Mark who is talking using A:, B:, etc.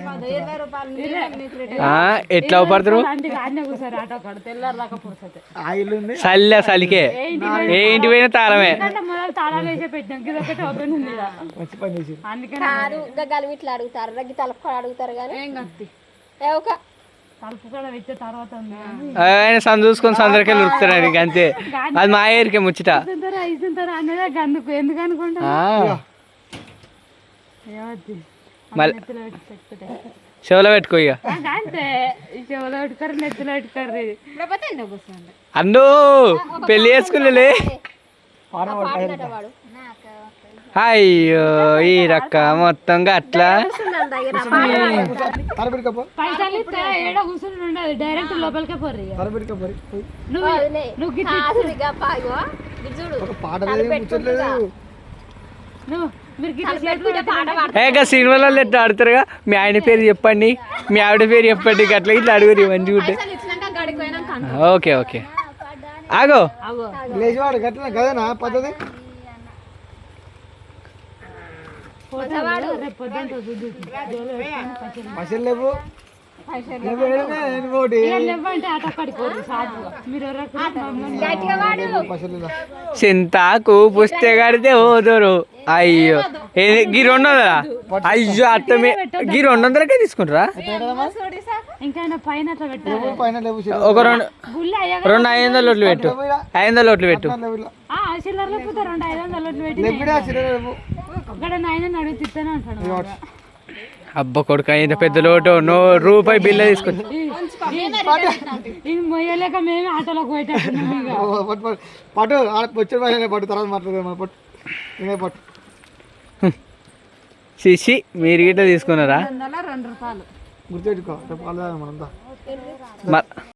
A: ఎట్లా పడతారు చల్లే చలికే ఏ ఇంటి పోయినా తాళమే
B: ఇట్లా అడుగుతారు రగ్గి తలుపు అడుగుతారు కానీ
A: ఆయన సందు చూసుకొని సందరికెళ్ళి ఉరుకుతాడు ఇక అంతే అది మా ఏరికే ముచ్చట
B: ఎందుకు అనుకుంటా
A: మళ్ళీ చెవులో పెట్టుకో ఇక
B: చెవులో పెట్టుకోరు నెత్తిలో పెట్టుకోరు
A: అన్నో పెళ్లి చేసుకులే అయ్యో ఈ రక్క మొత్తంగా అట్లా
B: పైసలు ఇస్తే ఏడ కూర్చుని ఉండదు డైరెక్ట్ లోపలికే పోరు
A: సినిమాలలో ఎట్లా ఆడుతారుగా మీ ఆయన పేరు చెప్పండి మీ ఆవిడ పేరు చెప్పండి అట్లా ఇట్లా అడుగురు మంచిగా ఉంటే ఓకే ఓకే ఆగో
C: కదేనా పద్ధతి పైసలు లేవు
A: చింతాకు పుస్తే కడితే పోదురు అయ్యో గీ 200 అయ్యో అత్తమే గీ 200కే తీసుకుంటారా ఒక 2 500 నోట్లు పెట్టు 500 నోట్లు పెట్టు అబ్బ కొడుక ఇంత పెద్ద లోటు రూపాయి బిల్ల తీసుకొచ్చి
B: మొయ్యలేక మేమే ఆటోలోకి
C: పట్టు వచ్చే పట్టు తర్వాత మాట్లాడదాం పట్టు
A: శిషి మీరు గిట్ట తీసుకున్నారా
B: ₹2
C: గుర్తుపెట్టుకో మనంతా